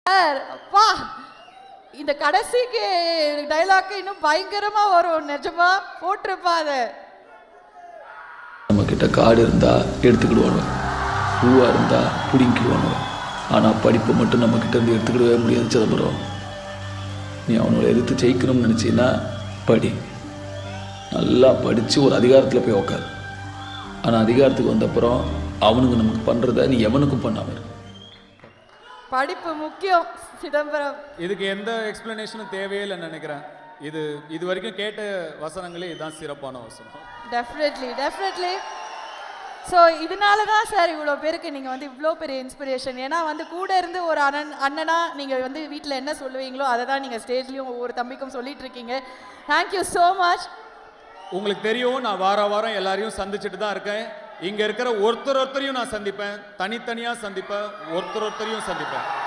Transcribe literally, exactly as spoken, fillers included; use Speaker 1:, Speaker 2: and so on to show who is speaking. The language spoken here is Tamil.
Speaker 1: சார் அப்பா இந்த கடைசிக்கு டைலாக் இன்னும் பயங்கரமா வரும். நிஜமா போட்டிருப்பா அதை.
Speaker 2: நம்ம கிட்ட காடு இருந்தா எடுத்துக்கிடுவானு, பூவா இருந்தா பிடிங்கிடுவானு. ஆனா படிப்பை மட்டும் நம்ம கிட்ட இருந்து எடுத்துக்கிடவே முடியாது சிதம்பரம். நீ அவனோட எதிர்த்து ஜெயிக்கணும்னு நினைச்சீன்னா படி, நல்லா படிச்சு ஒரு அதிகாரத்துல போய் உக்காரு. ஆனா அதிகாரத்துக்கு வந்தப்புறம் அவனுக்கு நமக்கு பண்றத நீ எவனுக்கும் பண்ணாம இரு.
Speaker 1: படிப்பு முக்கியம் சிதம்பரம்.
Speaker 3: இதுக்கு எந்த எக்ஸ்பிளனேஷனும் தேவையில்லைன்னு நினைக்கிறேன். இது இது வரைக்கும் கேட்ட வசனங்களே இதுதான் சிறப்பான வசனம்.
Speaker 1: Definitely definitely. ஸோ இதனால தான் சார் இவ்வளோ பேருக்கு நீங்கள் வந்து இவ்வளோ பெரிய இன்ஸ்பிரேஷன். ஏன்னா வந்து கூட இருந்து ஒரு அண்ணன் அண்ணனா நீங்கள் வந்து வீட்டில் என்ன சொல்லுவீங்களோ அதை தான் நீங்கள் ஸ்டேஜ்லேயும் ஒவ்வொரு தம்பிக்கும் சொல்லிட்டு இருக்கீங்க. Thank you so much.
Speaker 3: உங்களுக்கு தெரியும், நான் வார வாரம் எல்லாரையும் சந்திச்சுட்டு தான் இருக்கேன். இங்கே இருக்கிற ஒருத்தர் ஒருத்தரையும் நான் சந்திப்பேன், தனித்தனியாக சந்திப்பேன், ஒருத்தர் ஒருத்தரையும் சந்திப்பேன்.